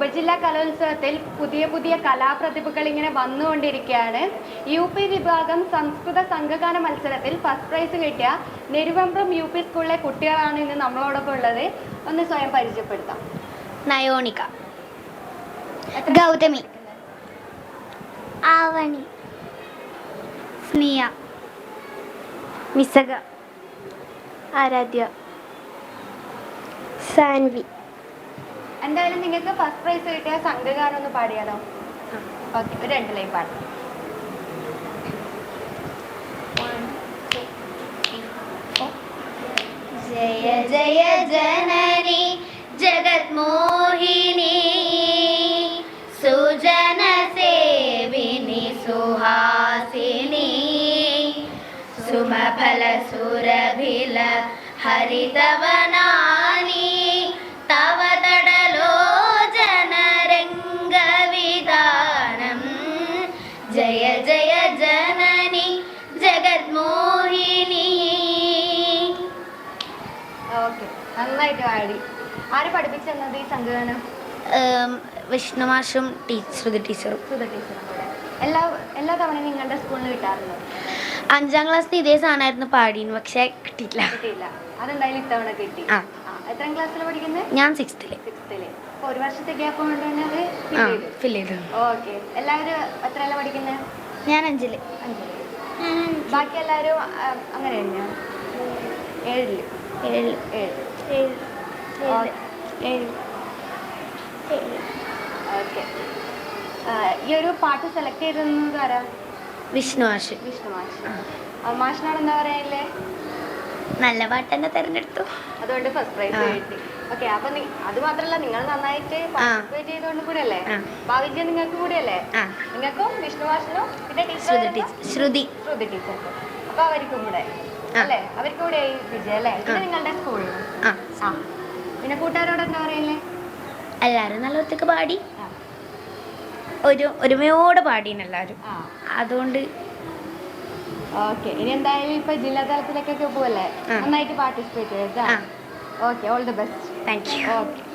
ഉപജില്ലാ കലോത്സവത്തിൽ പുതിയ പുതിയ കലാപ്രതിഭകൾ ഇങ്ങനെ വന്നുകൊണ്ടിരിക്കുകയാണ്. UP വിഭാഗം സംസ്കൃത സംഘഗാന മത്സരത്തിൽ ഫസ്റ്റ് പ്രൈസ് കിട്ടിയ നെരുവമ്പ്രം UP സ്കൂളിലെ കുട്ടികളാണ് ഇന്ന് നമ്മളോടൊപ്പം ഉള്ളത്. ഒന്ന് സ്വയം പരിചയപ്പെടുത്താം. നയോണിക, ഗൗതമി, ആവണി, സ്നിയ, മിസക, ആരാധ്യ, സാൻവി. എന്തായാലും നിങ്ങൾക്ക് ഫസ്റ്റ് പ്രൈസ് കിട്ടിയ സംഘഗാനം ഒന്ന് പാടിയാലോ? ഓക്കെ, ഒരു 2 ലൈൻ പാടാം. ജയ ജയ ജനനി ജഗത്മോഹിനി സുജന സേവിനി സുഹാസിനി സുമഫല സുരഭില ഹരിതവനാനി തവ തടലോ ജനരംഗവിധാനം ജയ ജയ ജനനി ജഗത്മോഹിനി. ഓക്കെ, നന്നായിട്ട് പാടി. ആര് പഠിപ്പിച്ചെന്നത് ഈ സംഘഗാനം? വിഷ്ണുമാഷും ശ്രുതി ടീച്ചറും. സുധ ടീച്ചറും കൂടെ. എല്ലാ തവണയും നിങ്ങളുടെ സ്കൂളിൽ കിട്ടാറുണ്ടോ? 5ാം ക്ലാസ്സിൽ ഇതേ സാധനമായിരുന്നു പാടിന്, പക്ഷെ കിട്ടിയില്ല. കിട്ടിയില്ല. അതെന്തായാലും ഇത്തവണ കിട്ടി. എത്രാം ക്ലാസ്സിൽ പഠിക്കുന്നത്? ഞാൻ 6th. അപ്പോൾ ഒരു വർഷത്തെ ഗ്യാപ്പ് കൊണ്ട് തന്നെ അത് ഫിൽ ചെയ്തു. ഓക്കെ. എല്ലാവരും എത്രയല്ല പഠിക്കുന്നത്? ഞാൻ 5ൽ. ബാക്കി എല്ലാവരും അങ്ങനെ തന്നെയാണ്? 7ൽ. ഓക്കെ. ഈ ഒരു പാട്ട് സെലക്ട് ചെയ്തത് ആരാ? വിഷ്ണു മാഷ്. മാഷിനോട് എന്താ പറയാനില്ലേ? നല്ല പാട്ട് തന്നെ തിരഞ്ഞെടുത്തു, അതുകൊണ്ട് ഫസ്റ്റ് പ്രൈസ് കിട്ടി. ഓക്കെ, അപ്പൊ അത് മാത്രല്ല, നിങ്ങൾ നന്നായിട്ട് പാർട്ടിസിപ്പേറ്റ് ചെയ്തുകൊണ്ട് കൂടെ അല്ലേ ഭാവിജയം നിങ്ങൾക്ക് കൂടെ അല്ലേ? നിങ്ങൾക്കും വിഷ്ണു മാഷിനും പിന്നെ ശ്രുതി ടീച്ചർക്കും, അപ്പൊ അവർക്കും കൂടെ അല്ലേ? അവർക്കും കൂടെ വിജയം അല്ലേ? പിന്നെ നിങ്ങളുടെ സ്കൂളിൽ പിന്നെ കൂട്ടുകാരോട് എന്താ പറയല്ലേ? എല്ലാരും നല്ല ഒറ്റക്ക് പാടി, ഒരുമയോടെ പാടീന് എല്ലാരും. അതുകൊണ്ട് ഓക്കെ. ഇനി എന്തായാലും ഇപ്പൊ ജില്ലാ തലത്തിലേക്കൊക്കെ പോവല്ലേ, നന്നായിട്ട് പാർട്ടിസിപ്പേറ്റ് ചെയ്താ. Okay, all the best. Thank you. Okay.